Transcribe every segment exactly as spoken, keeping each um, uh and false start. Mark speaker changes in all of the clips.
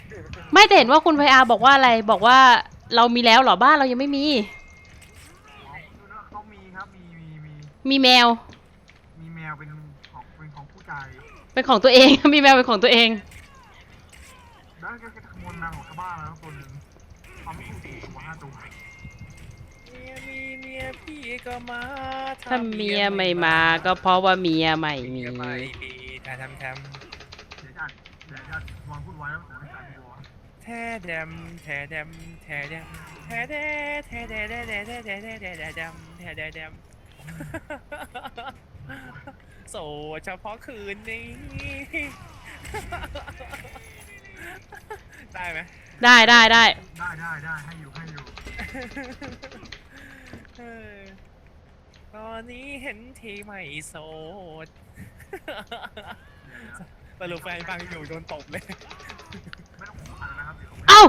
Speaker 1: ไม่แต่เห็นว่าคุณไพอาบอกว่าอะไรบอกว่าเรามีแล้วเหรอบ้านเรายังไม่มี
Speaker 2: อ๋อดูนะเขามีครับมีมีมี
Speaker 1: มีแมว
Speaker 2: มีแมวเป็นของเป็นของผู้ใจ
Speaker 1: เป็นของตัวเอง มีแมวเป็นของตัวเอง
Speaker 2: แล้วก็จะขโมยแมวของชาวบ้านแล้วตัวหนึ่งเขาไม่ถูกสี่ตัวห้าตัว
Speaker 3: เมียมีเมียพี่ก็มา
Speaker 1: ถ้าเมียไม่มาก็เพราะว่าเมียไม่มี
Speaker 3: เมียไม่มีแต่ทำท
Speaker 2: เดี๋ยวจะเดี๋ยวจะวางพูดไว้แล้วขอให้จ่ายตัว
Speaker 3: ำแท้แดมแท้แดมแท้แดมแท้แดแท้แดแดแดแดแดแดแดแดแดมแท้แดแดมโสดเฉพาะคืนนี้ได้ไหม
Speaker 1: ได้ได้ได้
Speaker 2: ได้ได้ได้ให้อยู่ให้อยู่
Speaker 3: เออตอนนี้เห็นทีไม่โสดสรุปแฟนฟังอยู่โดนตบเลย
Speaker 2: ไม่ต้องขออ่านนะครับเดี๋ยว
Speaker 1: เอ้า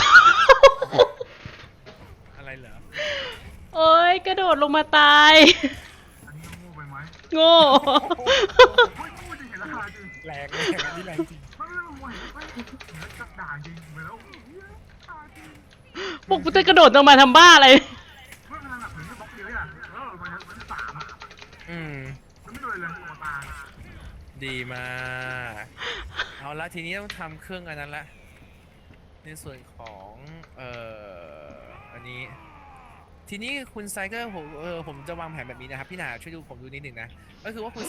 Speaker 3: อะไรเหรอ
Speaker 1: โอ้ยกระโดดลงมาตาย
Speaker 2: อันนี้โง่ไปไหม
Speaker 1: โง่
Speaker 2: เฮ้ยพูดจริงเห็นราคาจริง
Speaker 3: แรงแรงอันนี้แรงจริง
Speaker 2: ไม่ไม่ไม่ไม่เห็นแล้วจะด่าจริงไปแล้วด่าจริง
Speaker 1: พวกกูจะกระโดดลงมาทำบ้าอะไร
Speaker 2: เมื่อเวลาแบบถึงจะบล็อกเดียวอ่ะเออมันมันสามอ่ะ
Speaker 3: อืม
Speaker 2: มันไม่โดนเลยตัวตา
Speaker 3: ดีมากเอาละทีนี้ต้องทำเครื่องอันนั้นละในส่วนของเอ่ออันนี้ทีนี้คุณไซเกอร์ผมเออผมจะวางแผนแบบนี้นะครับพี่หนาช่วยดูผมดูนิดหนึ่งนะก็คือว่าคุณ